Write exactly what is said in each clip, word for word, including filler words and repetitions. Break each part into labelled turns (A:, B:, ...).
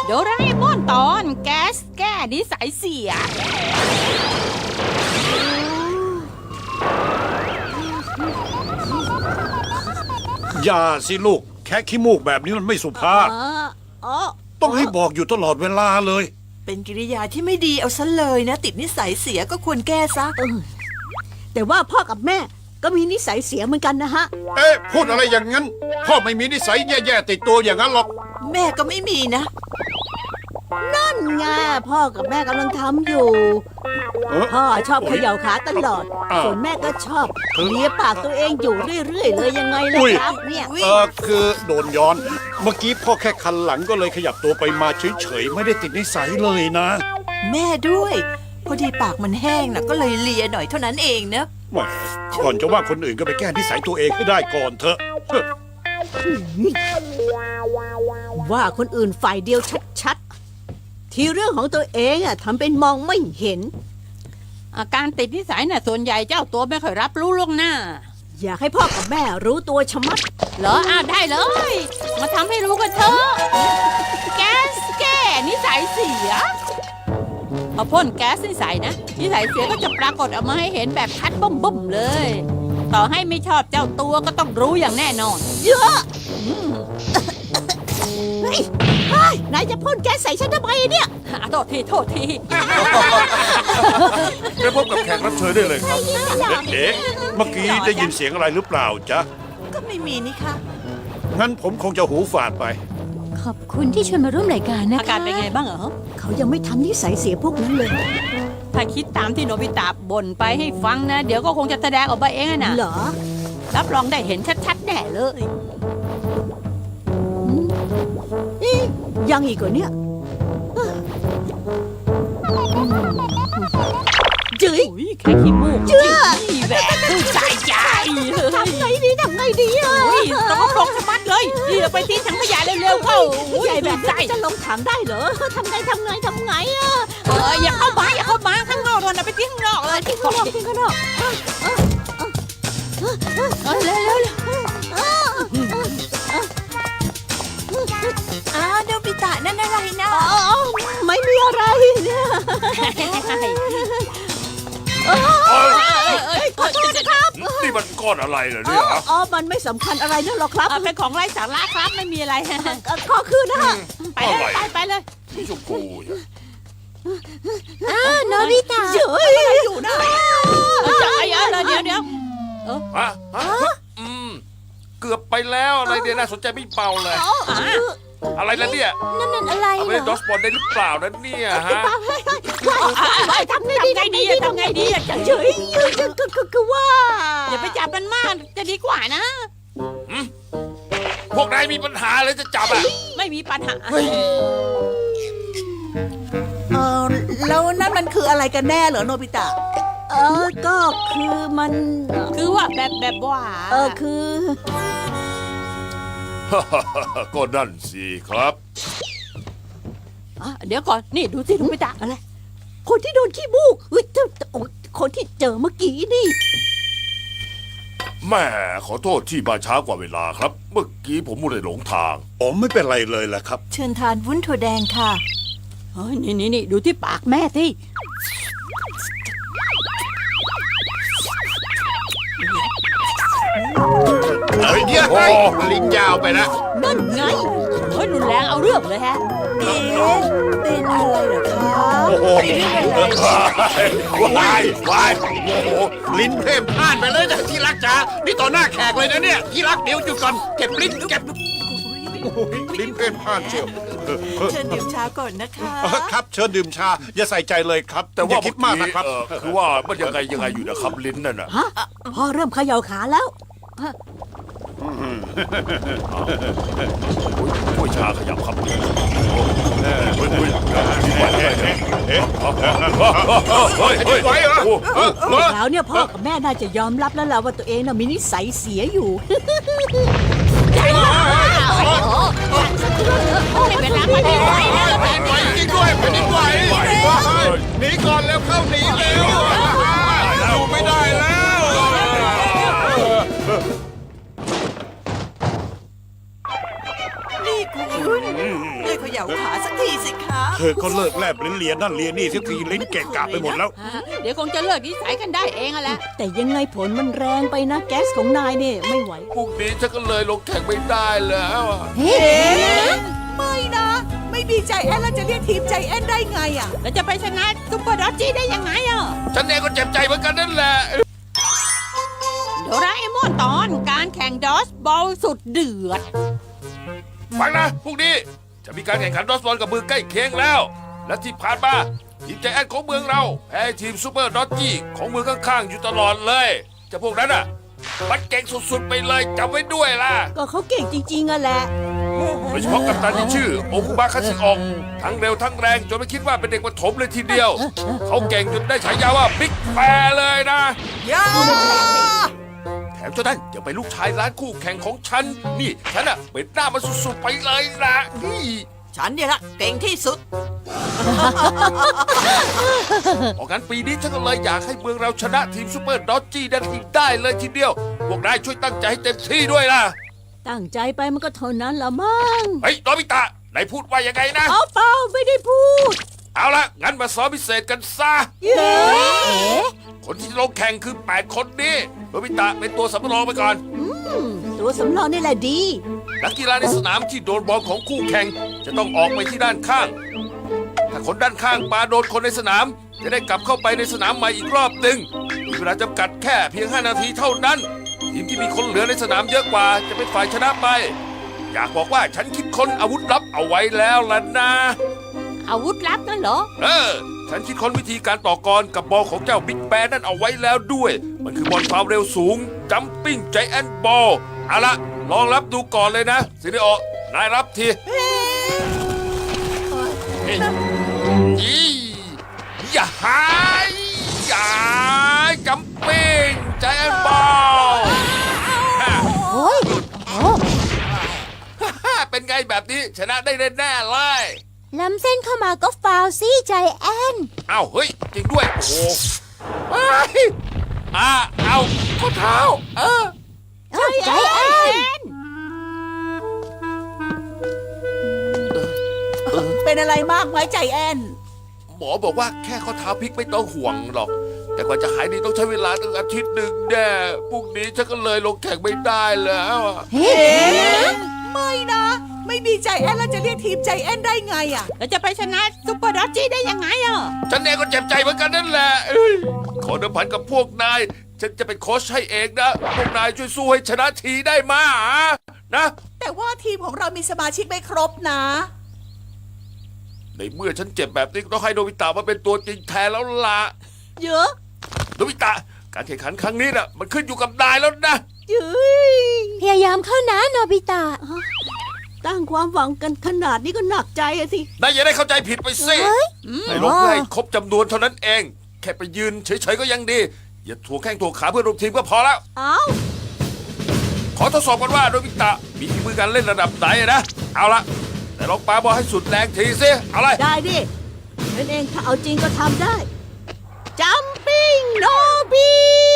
A: โดราเอมอนตอนแก๊สแก้นิสัยเสีย
B: อย่าสิลูกแค่ขี้มูกแบบนี้มันไม่สุภาพต้องให้บอกอยู่ตลอดเวลาเลย
C: เป็นกิริยาที่ไม่ดีเอาซะเลยนะติดนิสัยเสียก็ควรแก้ซะ
D: แต่ว่าพ่อกับแม่ก็มีนิสัยเสียเหมือนกันนะฮะ
B: เอ๊ะพูดอะไรอย่างนั้นพ่อไม่มีนิสัยแย่ๆติดตัวอย่างนั้นหรอก
C: แม่ก็ไม่มีนะ
D: นั่นไงพ่อกับแม่กำลังทำอยู่พ่อชอบเขย่าขาตลอดส่วนแม่ก็ชอบเลียปากตัวเองอยู่เรื่อยๆเลยยังไงล่ะครับเนี่ย
B: เออคือโดนย้อนเมื่อกี้พ่อแค่คันหลังก็เลยขยับตัวไปมาเฉยๆไม่ได้ติดนิสัยเลยนะ
C: แม่ด้วยพอดีปากมันแห้งนะก็เลยเลียหน่อยเท่านั้นเองนะ
B: แหมก่อนจะว่าคนอื่นก็ไปแก้นิสัยตัวเองให้ได้ก่อนเถอะ
D: ว่าคนอื่นฝ่ายเดียวชัดๆที่เรื่องของตัวเองอะทำเป็นมองไม่เห็น
A: อาการติดนิสัยน่ะส่วนใหญ่เจ้าตัวไม่ค่อยรับรู้ล่วงหน้า
D: อยากให้พ่อกับแม่รู้ตัวชะมัด
A: เหรออ้าวได้เลยมาทำให้รู้กันเถอะแก๊สแก้นิสัยเสียพอพ่นแก๊สนิสัยนะนิสัยเสียก็จะปรากฏออกมาให้เห็นแบบชัดบ่มๆเลยต่อให้ไม่ชอบเจ้าตัวก็ต้องรู้อย่างแน่นอน
D: เยอะเฮ้ยนายจะพ่นแก๊สใส่ฉันทำไมเนี่ย
A: โทษทีโทษที
B: ไปพบกับแขกรับเชิญได้เลยครับเด็กๆเมื่อกี้ได้ยินเสียงอะไรหรือเปล่าจ๊ะ
C: ก็ไม่มีนี่ค่ะ
B: งั้นผมคงจะหูฝาดไป
E: ขอบคุณที่ชวนมาร่วมรายการนะคะ
A: อาการเป็นไงบ้างเหรอ
D: เขายังไม่ทำนิสัยเสียพวกนั้นเลย
A: ถ้าคิดตามที่โนบิตะบ่นไปให้ฟังนะเดี๋ยวก็คงจะแสดงออกมาเองนะ
D: เหรอ
A: รับรองได้เห็นชัดๆแน่เลย
D: ยังอีกเหรอเนี่ยจื้อ
A: แค่ขี้มูก
D: เจื้อ
A: แบบใจใจ
D: ทำไงดีทำไงดีอ่ะ
A: ต้องลงสมัดเลยเดี๋ยวไปทิ้งถังขยะเร็วๆเข้า
D: ใหญ่แบบนี้จะลงถังได้เหรอทำไงทำไงทำไงอ่ะ
A: เอออย่าเข้ามาอย่าเข้ามาข้างนอกเลยนะไปทิ้งข้างนอกเลย
D: ทิ้งข้างนอกทิ้งข้างนอก
A: เร็วเร็ว
C: อ้าวโนบิตะนั่นอะไรนะ
D: ไม่มีอะไรเนี่ยขอโทษนะครับ
B: นี่มันก้อนอะไรเหรอเนี่ย
D: อ๋อมันไม่สำคัญอะไรนั่นหรอกครับ
A: เป็นของไร้สาระครับไม่มีอะไร
D: ขอคืนนะฮะ
A: ไปเลยไปไปเลย
B: สีชมพู
E: อ้าวโนบิตะ
D: เฮ้ยอะไรอยู่นะ
A: จะไอ้เออเดี๋ยวเดี๋ยว
B: เออฮะอืมเกือบไปแล้วอะไรเนี่ยน่าสนใจไม่เบาเลยอะไรนะเนี่ย
E: นั่นนั่นอะไร
B: เหรอดอสบอลได้หรือเปล่านั่นเนี่ยฮะ
D: ทำไงดี
A: ทำไงดีทำไงดี
D: เฉยคือว่า
A: อย่าไปจับมันมากจะดีกว่านะ
B: พวกนายมีปัญหาเลยจะจับอ่ะ
A: ไม่มีปัญหา
C: เออแล้วนั่นมันคืออะไรกันแน่เหรอโนบิตะ
D: เออก็คือมัน
A: คือว่าแบบแบบว่า
D: เออคือ
B: ก็นั่นสิครับ
A: เดี๋ยวก่อนนี่ดูสิดูไม่ตา
D: อะไรคนที่โดนขี้มูกเฮ้ยคนที่เจอเมื่อกี้นี่
B: แม่ขอโทษที่มาช้ากว่าเวลาครับเมื่อกี้ผมมัวแต่หลงทางผมไม่เป็นไรเลยแหละครับ
C: เชิญทานวุ้นถั่วแดงค่ะ
A: เฮ้ยนี่นี่นี่ดูที่ปากแม่สิ
B: เฮ้ยเดี๋ยวลิ้นยาวไปนะ
D: นั่นไง
A: เฮ้ยรุนแรงเอาเรื่องเลยฮะ
C: เอ๊ะเป็นอะไรเหรอคะ
B: โอ้โหวายวายโอ้โหลิ้นเพ่มพลาดไปเลยนะที่รักจ๋านี่ต่อหน้าแขกเลยนะเนี่ยที่รักเดี๋ยวหยุดก่อนเก็บลิ้นเก็บลิ้นเพ่มพลาดเชียว
C: เชิญดื่มชาก่อนนะคะ
B: ครับเชิญดื่มชาอย่าใส่ใจเลยครับแต่ว่าคิดมากนะครับคือว่ามันยังไงยังไงอยู่นะครับลิ้นนั่นน่ะ
D: ฮะพ่อเริ่มเขย่าขาแล้ว
B: ผู้ชาขยับครับ
D: แล้วเนี่ยพ่อกับแม่น่าจะยอมรับแล้วแหละว่าตัวเองน่ะมีนิสัยเสียอยู่
A: เวลาไม่ได้ไหวแล้ว
B: แผ่นไหวจริงด้วยแผ่นไหวหนีก่อนแล้วเข้าหนีเร็วอยู่ไม่ได้แล้ว
C: นี่คุณคุณเลิกเขย่าขาสักทีสิครับ
B: เธอก็เลิกแลบลิ้นเลียนั่นเลียนี่สักทีลิ้นเกะกะไปหมดแล้ว
A: อ่าเดี๋ยวคงจะเลิกนิสัยกันได้เองอะแหละ
D: แต่ยังไงผลมันแรงไปนะ แก๊สของนายเนี่ยไม่ไหว
F: พรุ่งนี้ฉันก็เลยลงแข่งไม่ได้แล้วอะ
E: เฮ้
C: ไม่นะ ไม่มีใจแอนแล้วจะเรียกทีมใจแอนได้ไงอ่ะ
A: แล้วจะไปชนะซุปเปอร์ดอจจี้ได้ยังไงอ่ะ
F: ฉันเองก็เจ็บใจเหมือนกันนั่นแหละ
A: โดราเอมอนตอนการแข่งดอสบอลสุดเดือด
F: ฟังนะพรุ่งนี้จะมีการแข่งขันดอสบอลกับมือใกล้เคียงแล้ว และที่ผ่านมาทีมใจแอนของเมืองเราแพ้ทีมซูเปอร์ดอจจี้ของเมืองข้างๆอยู่ตลอดเลยเจะพวกนั้นอ่ะมันเก่งสุดๆไปเลยจำไว้ด้วยล่ะ
D: ก็เขาเก่งจริงๆอะแหละ
F: โดยเฉพาะกัปตันที่ชื่อโอคุบะคัตสึออกทั้งเร็วทั้งแรงจนไม่คิดว่าเป็นเด็กประถมเลยทีเดียว เขาเก่งจนได้ฉายาว่าบิ๊กแปรเลยนะ
C: ย่า
F: แถมเจ้านั่นยังเป็นลูกชายร้านคู่แข่งของฉัน นี่ฉันอะเป็นหน้ามันสุดๆไปเลยนะนี่
C: ฉันเนี่ยละเก่งที่สุด
F: เพราะงั้นปีนี้ฉันก็เลยอยากให้เมืองเราชนะทีมซูเปอร์ดอจจี้ได้ทีได้เลยทีเดียว พวกนายช่วยตั้งใจให้เต็มที่ด้วยล่ะ
D: ตั้งใจไปมันก็เท่านั้นละมั้ง
F: เฮ้ยโนบิตะนายพูดว่ายังไงนะ
D: เอาเปล่าไม่ได้พูด
F: เอาละงั้นมาซ้อมพิเศษกันซะ
D: เย้
F: คนที่ลงแข่งคือแปดคนนี้โนบิตะเป็นตัวสำรองไปก่อน
D: ตัวสำรองนี่แหละดี
F: นักกีฬาในสนามที่โดนบอลของคู่แข่งจะต้องออกไปที่ด้านข้าง ถ้าคนด้านข้างปาโดนคนในสนาม จะได้กลับเข้าไปในสนามใหม่อีกรอบหนึ่งมีเวลาจำกัดแค่เพียงห้านาทีเท่านั้น ทีมที่มีคนเหลือในสนามเยอะกว่าจะเป็นฝ่ายชนะไป อยากบอกว่าฉันคิดค้นอาวุธลับเอาไว้แล้วล่ะนะ
A: อาวุธลับนั่นเหรอ
F: เออ ฉันคิดค้นวิธีการต่อกรกับบอลของเจ้าบิ๊กแบนนั่นเอาไว้แล้วด้วย มันคือบอลความเร็วสูงจัมปิ้งไจแอนบอลเอาละลองรับดูก่อนเลยนะซิริโอนายรับทียี่อย่าหายอย่าจัมปิ้งไจแอนบอล
E: โอ้ยโอ้
F: เป็นไงแบบนี้ชนะได้แน่ๆเลย
E: ล้ำเส้นเข้ามาก็ฟาวซี่ใจแอน
F: เอ้าเฮ้ย จริงด้วย โอ้เฮ้ยอ่าเอาข้อเท้า เออ
E: เอ้าใจแอน
C: เป็นอะไรมากไหมใจแอน
F: หมอบอกว่าแค่ข้อเท้าพลิกไม่ต้องห่วงหรอก แต่กว่าจะหายดีต้องใช้เวลาตั้งอาทิตย์หนึ่งแน่พรุ่งนี้ฉันก็เลยลงแข่งไม่ได้แล้วอะ
E: เฮ้
C: ไม่นะ ไม่มีใจแอนแล้วจะเรียกทีมใจแอนได้ไงอ่ะ
A: แล้วจะไปชนะซุปเปอร์ดอจจี้ได้ยังไงอ่ะ
F: ฉันเองก็เจ็บใจเหมือนกันนั่นแหละเอ้ยขอเดิมพันกับพวกนาย ฉันจะเป็นโค้ชให้เองนะ พวกนายช่วยสู้ให้ชนะทีได้มานะ
C: แต่ว่าทีมของเรามีสมาชิกไม่ครบนะ
F: ในเมื่อฉันเจ็บแบบนี้ก็ต้องให้โนบิตะมาเป็นตัวจริงแทนแล้วล่ะ
D: เยอะ
F: โนบิตะ การแข่งขันครั้งนี้น่ะมันขึ้นอยู่กับนายแล้วนะ
D: เย้ย
E: พยายามเข้านะโนบิตะ
D: ตั้งความหวังกันขนาดนี้ก็หนักใจอะสิ
F: นายอย่าได้เข้าใจผิดไปสิ
E: เฮ้ย
F: นายลงเพื่อให้ครบจำนวนเท่านั้นเอง แค่ไปยืนเฉยๆก็ยังดี อย่าถ่วงแข้งถ่วงขาเพื่อนร่วมทีมก็พอแล้ว
D: เอ้า
F: ขอทดสอบกันว่าโนบิตะมีฝีมือการเล่นระดับไหนนะ เอาละแต่ลองปาบอลให้สุดแรงทีสิเอาเลย
D: ได้ดิฉันเองถ้าเอาจริงก็ทำได้ จัมปิ้งโนบี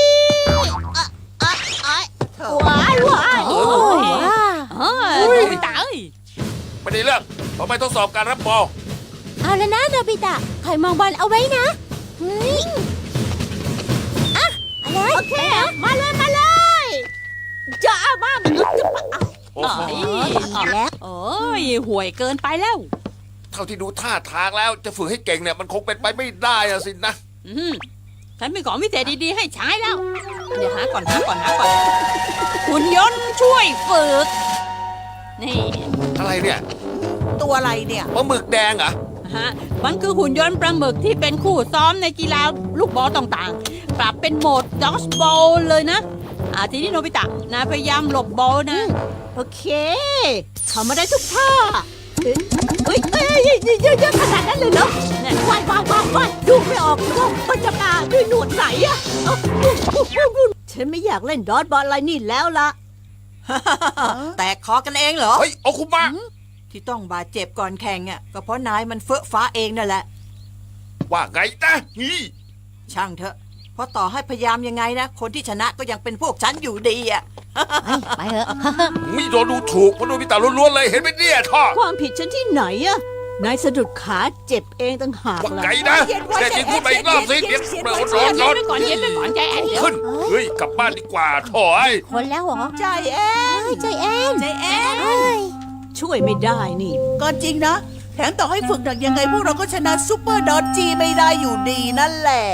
D: ว้ายว้าย
A: โอ้ย
E: ว้า
A: เออโนบิตะเอ้ย
F: ไม่ได้เรื่องเพราะไม่ทดสอบการรับบอล
E: เอาละนะโนบิตะคอยมองบอลเอาไว้นะ เฮ้ย อ่ะอะไร
D: โอเค มาเลยมาเลยจ้ามากจะปะ
F: โอ้โห
A: เอ้ย
E: แล้ว
A: โอ้ยห่วยเกินไปแล้ว
F: เท่าที่ดูท่าทางแล้วจะฝึกให้เก่งเนี่ยมันคงเป็นไปไม่ได้อะสินะ
A: อืมฉันมีของพิเศษดีๆให้ใช้แล้ว เดี๋ยวหาก่อนหาก่อนหาก่อนหุ่นยนต์ช่วยฝึก นี่
F: อะไรเนี่ย
C: ตัวอะไรเนี่ย
F: ปลาหมึกแดงเหรอ
A: ฮะ มันคือหุ่นยนต์ปลาหมึกที่เป็นคู่ซ้อมในกีฬาลูกบอลต่างๆ ปรับเป็นโหมดดอสบอลเลยนะ อ่าทีนี้โนบิตะนายพยายามหลบบอลนะ
D: โอเคทำมาได้ทุกท่าเฮ้ยเฮ้ยเฮ้ยเยอะๆขนาดนั้นเลยเหรอเนี่ยว่ายว่ายว่ายว่ายดูไม่ออกว่ามันจะมาด้วยหนวดไหนอะเอ้าฉันไม่อยากเล่นดอทบอลอะไรนี่แล้วล่ะ
C: แตกคอกันเองเหรอ
F: เฮ้ยโอคุมะ
C: ที่ต้องบาดเจ็บก่อนแข่งอ่ะก็เพราะนายมันเฟ้อฟ้าเองนั่นแหละ
F: ว่าไงนะนี่
C: ช่างเถอะ เพราะต่อให้พยายามยังไงนะ คนที่ชนะก็ยังเป็นพวกฉันอยู่ดีอ่ะ
E: ไปเถอะ
F: ไม่โดนดูถูกเพราะโดนพิตาล้วนๆเลยเห็นไหมเนี่ยท่อ
D: ความผิดฉันที่ไหนอะนายสะดุดขาเจ็บเองต่างหาก
F: ว่า
D: ล่ะ
F: ไงนะแต่จริงพูดไปอีกรอบสิเดี๋ยวเปิดร้อน
A: เย็
F: ร้อน น
A: ไปก่อนเย็นไปก่อนใจแอนเดี๋ยว
F: ขึ้นเฮ้ยกลับบ้านดีกว่าถอย
E: คนแล้วเหรอ
C: ใจแอน
E: เฮ้ยใจแอน
C: ใจแอน
E: เอ้ย
D: ช่วยไม่ได้นี่
C: ก็จริงนะ แถมต่อให้ฝึกหนักยังไงพวกเราก็ชนะซูเปอร์ดอทจีไม่ได้อยู่ดีนั่นแหละ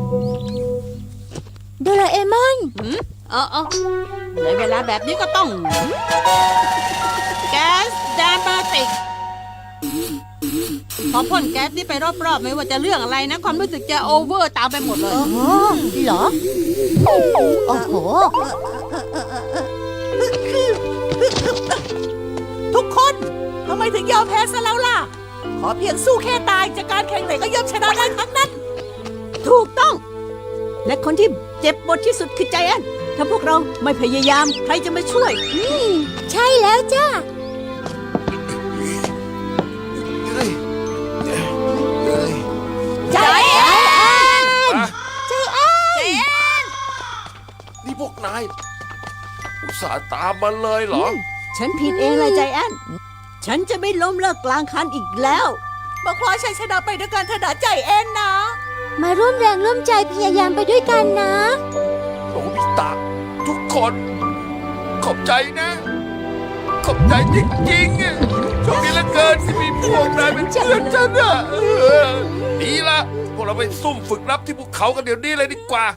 E: โดราเอมอน
A: หืมเออเออในเวลาแบบนี้ก็ต้อง แก๊สดามาติกพอพ่นแก๊สนี่ไปรอบๆไม่ว่าจะเรื่องอะไรนะ ความรู้สึกจะโอเวอร์ตามไปหมดเลย
E: โอ้เหรอ โอ้โห
C: ทุกคนทำไมถึงยอมแพ้ซะแล้วล่ะ ขอเพียงสู้แค่ตายจากการแข่งไหนก็ย่อมชนะได้ทั้งนั้น
D: ถูกต้อง และคนที่เจ็บปวดที่สุดคือใจแอนถ้าพวกเราไม่พยายามใครจะมาช่วย
E: อืม ใช่แล้วจ้า
C: ใจแอน
F: อ่ะ
E: ใจแอน
F: นี่พวกนายอุตส่าห์ตามมาเลยเหรอ
D: ฉันผิดเองเลยใจแอนฉันจะไม่ล้มเลิกกลางคันอีกแล้ว
C: มาคว้าชัยชนะไปด้วยการถนัดใจแอนนะ
E: มาร่วมแรงร่วมใจพยายามไปด้วยกันนะ
F: โนบิตะทุกคน ขอบใจนะ ขอบใจจริงๆอะโชคดีเหลือเกินที่มีพวกนายเป็นเพื่อนฉันอะเออดีละพวกเราไปซุ่มฝึกรับที่ภูเขากันเดี๋ยวนี้เลยดีกว่า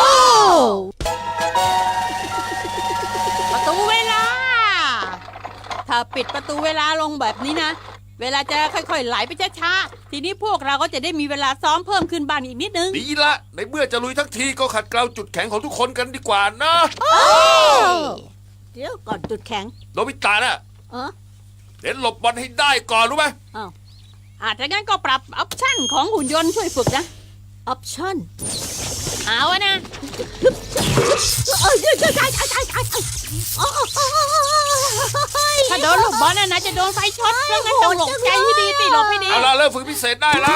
A: ประตูเวลา ถ้าปิดประตูเวลาลงแบบนี้นะ เวลาจะค่อยๆไหลไปช้าๆ ทีนี้พวกเราก็จะได้มีเวลาซ้อมเพิ่มขึ้นบ้างอีกนิดนึง
F: ดีละในเมื่อจะลุยทั้งทีก็ขัดเกลาจุดแข็งของทุกคนกันดีกว่านะ
D: เดี๋ยวก่อนจุดแข็ง
F: โนบิตะน่ะ
D: เออ
F: เน้นหลบบอลให้ได้ก่อนรู้ไหม
D: อ้าว
A: อาจจะงั้นก็ปรับออปชั่นของหุ่นยนต์ช่วยฝึกนะ
D: ออปชั่น
A: เอาอะนะ
D: เอ้ยใช่ใช่ใช่ใช่ใช่โอ้โห
A: ถ้าโดนลูกบอลน่ะนะจะโดนไฟช็อตเพราะงั้นต้องหลบใจให้ดีสิหลบให้ดี
F: เอาละเริ่มฝึกพิเศษได้เลย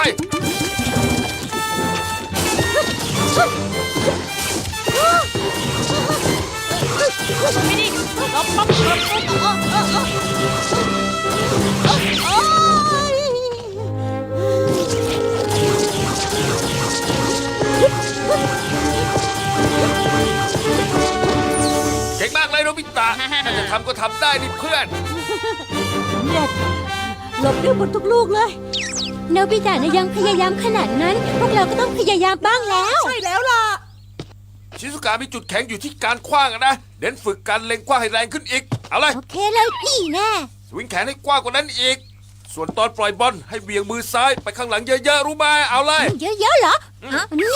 A: ไม่ดีหลบปั๊บหลบปุ๊บ
F: เก่งมากเลยโนบิตะถ้าจะทำก็ทำได้นี่เพื่อน
D: เนี่ยหลบได้หมดทุกลูกเลย
E: โนบิตะนะยังพยายามขนาดนั้น พวกเราก็ต้องพยายามบ้างแล้ว
C: ใช่แล้วล่ะ
F: ชิซุกะมีจุดแข็งอยู่ที่การคว้างอะนะเน้นฝึกการเล็งคว้างให้แรงขึ้นอีก เอาเลย
E: โอเคเลยนี่แน่
F: สวิงแขนให้กว้างกว่านั้นอีก ส่วนตอนปล่อยบอลให้เบี่ยงมือซ้ายไปข้างหลังเยอะๆรู้ไหมเอาเลย
E: เยอะๆเหรออ่ะนี่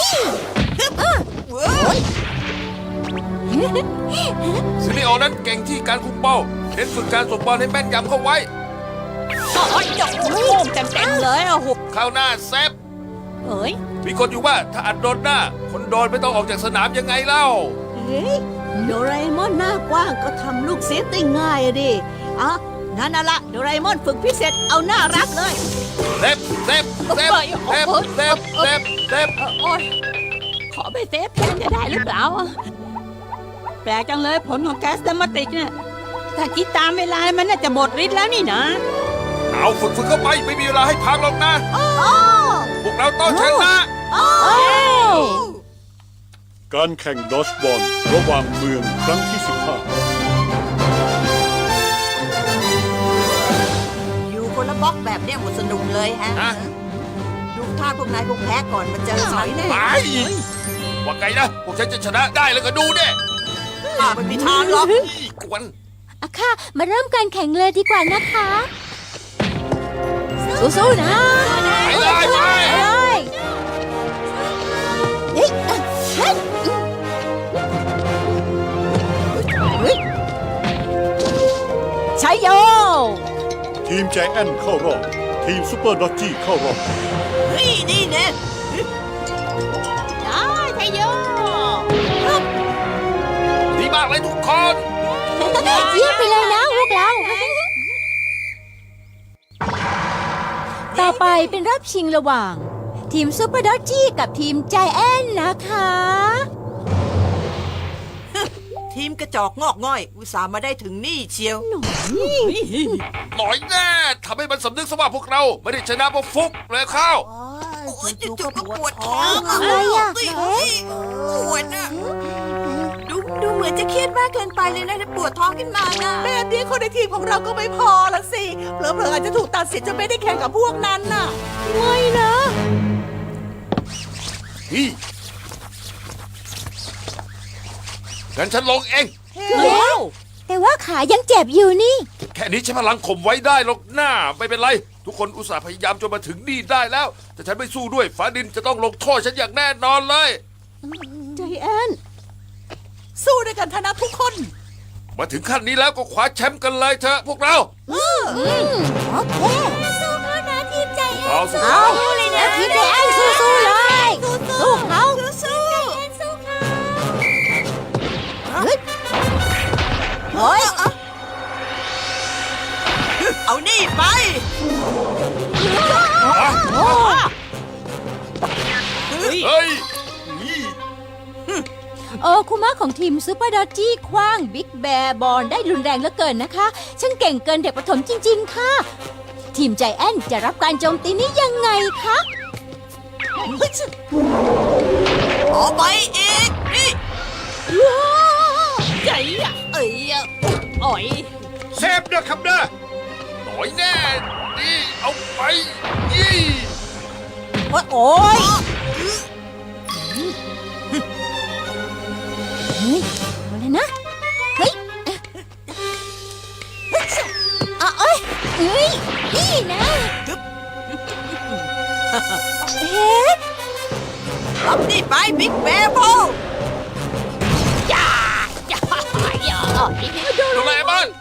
F: ซิลิโอนั้นเก่งที่การคุมเป้าเน้นฝึกการส่งบอลให้แม่นยำเข้าไว้
A: โอ้ยโอ้โหเต็มๆเลยโอ้โห
F: เข้าหน้าเซฟ
A: เอ้ย
F: มีคนอยู่ว่าถ้าอัดโดนหน้า คนโดนไม่ต้องออกจากสนามยังไงเล่า
D: เฮ้ยโดราเอมอนหน้ากว้างก็ทำลูกเซฟได้ง่ายอะดิอ่ะงั้นเอาละโดราเอมอนฝึกพิเศษเอาหน้ารักเลย
F: เซฟเซฟเซฟเซฟเซฟเซฟเซฟ
A: เออโอ้ยขอไปเซฟแทนจะได้หรือเปล่าอะแปลกจังเลยผลของแก๊สดามาติกเนี่ยถ้าคิดตามเวลามันน่าจะหมดฤทธิ์แล้วนี่นะ
F: เอาฝึกฝึกเข้าไปไม่มีเวลาให้พักหรอกนะ พวกเราต้องชนะ
G: การแข่งดอชบอลระหว่างเมืองครั้งที่สิบห้า
C: อยู่คนละบล็อกแบบเนี้ยหมดสนุกเลยฮะ
F: ฮะ
C: ดูท่าพวกนายคงแพ้ก่อนมาเจอฉันแน่
F: ไปว่าไงนะ พวกฉันจะชนะได้แล้วก็ดูเนี่ย
C: อ่ามันมีทางหรอก
F: กวน
E: อะค่ะ มาเริ่มการแข่งเลยดีกว่านะคะ สู้ๆนะ
F: ไปเลยไป
E: เลยเฮ้ยอ่ะเฮ้ย
D: ใช้โย
G: ทีมใจแอนเข้ารอบ ทีมซูเปอร์ดอทจี้เข้ารอบ
C: เฮ้ยนี่แน่
A: ได้ไทยโย
F: ดีมากเลยทุกคน
E: เยี่ยมไปเลยนะพวกเรา ต่อไปเป็นรอบชิงระหว่าง ทีมซูเปอร์ดอ g จี้กับทีมใจแอนนะคะ
C: ทีทีมกระจอกงอกง่อย อุตส่าห์มาได้ถึงนี่เชียว
F: หน่อยแน่ทำให้มันสำนึกซะว่าพวกเราไม่ได้ชนะเพราะฟุกเลยข้าว
C: โอ้ยจู่ๆก็ปวดท้อง
E: อะไรอ่ะ
C: เฮ้ยปวดอ่ะดูดูเหมือนจะเครียดมากเกินไปเลยนะปวดท้องขึ้นมานะแบบนี้คนในทีมของเราก็ไม่พอละสิเผลอๆอาจจะถูกตัดสิทธิ์จนไม่ได้แข่งกับพวกนั้นน่ะ
E: ไม่นะ
F: นี่งั้นฉันลงเอง
A: แล้ว
E: แต่ว่าขายังเจ็บอยู่นี่
F: แค่นี้ใช้พลังข่มไว้ได้หรอกหน้าไม่เป็นไร ทุกคนอุตส่าห์พยายามจนมาถึงนี่ได้แล้ว แต่ฉันไม่สู้ด้วยฟ้าดินจะต้องลงโทษฉันอย่างแน่นอนเลย
D: ใจแอน
C: สู้ด้วยกันทนะทุกคน
F: มาถึงขั้นนี้แล้วก็คว้าแชมป์กันเลยเถอะพวกเรา
E: โอเคสู้เขานะทีมใจแอน
F: เอาสิ
E: เอาเลยนะทีมใจแอนสู้ๆเลยสู้เขาสู้สู้เขา
C: เฮ้ย เอานี่ไป
F: เฮ้ย
E: โอ้คุมะของทีมซูเปอร์ดอจจี้คว้างบิ๊กแบร์บอลได้รุนแรงเหลือเกินนะคะช่างเก่งเกินเด็กประถมจริง ๆ ค่ะ ทีมใจแอนจะรับการโจมตีนี้ยังไงคะ
C: เอาไปอีก นี่
A: ใหญ่อะเอ้ยอะอ่อย
B: เซฟเด้อครับเด้อ
F: หน่อยแน่นี่เอาไปยี่
C: โอ้ย
E: เฮ้ยเอาเลยนะ เฮ้ยอ่ะเอ้ยเอ้ย นี่นะเฮ้ย
C: รับนี่ไปบิ๊กแบร์บอล
A: อย่าอย่าอย่าอ่อย
F: ดูแลบ้าน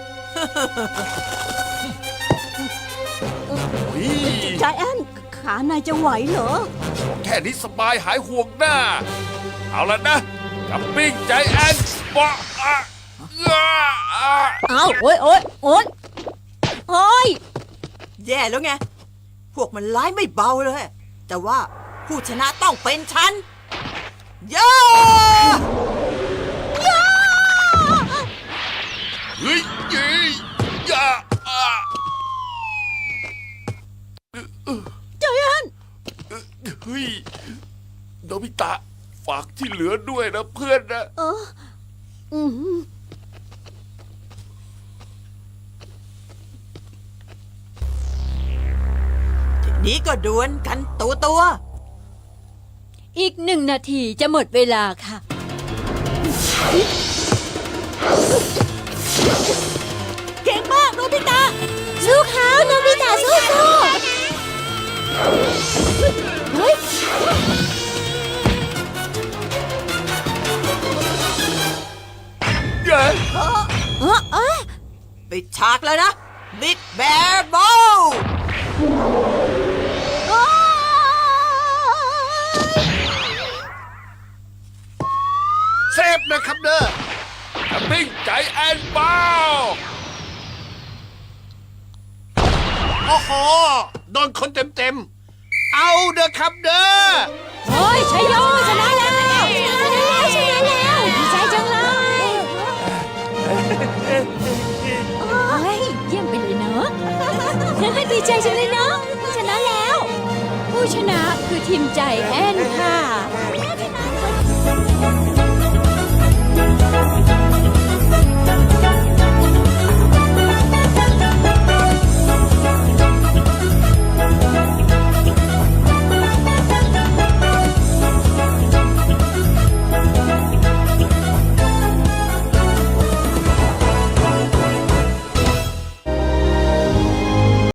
F: นี่
D: ใจแอนขานายจะไหวเหรอ
F: แค่นี้สบายหายห่วงหน้า เอาละนะจับปิ้งใจแอนบะอะอ่ะอ่ะ
D: เอาโอ๊ยโอ๊ยโอ๊ยโอ๊ย
C: แย่แล้วไง พวกมันร้ายไม่เบาเลย แต่ว่าผู้ชนะต้องเป็นฉันย่า
F: เฮ้ยยี่อย่าอ่ะ
D: ใจแอน
F: เฮ้ยโนบิตะฝากที่เหลือด้วยนะเพื่อนนะ
D: เอออืม
C: ทีนี้ก็ดวลกันตัวตัว
E: อีกหนึ่งนาทีจะหมดเวลาค่ะ
C: เก่งมากโนบิตะ
E: สู้เขาโนบิตะสู้สู้เฮ้ย
F: เย้
E: เออเออ
C: ปิดฉากแล้วนะบิ๊กแบร์บอล
B: เซฟนะครับเด้อ
F: จับปิ้งใจแอนเบา
B: โอ้โห โดนคนเต็มเต็มๆเอาเด้อครับเด้อ
E: เฮ้ยชัยโยชนะแล้วชนะแล้วชนะแล้วดีใจจังเลยโอ้ยเยี่ยมไปเลยเนาะดีใจจังเลยเนาะชนะแล้ว ผู้ชนะคือทีมใจแอนค่ะ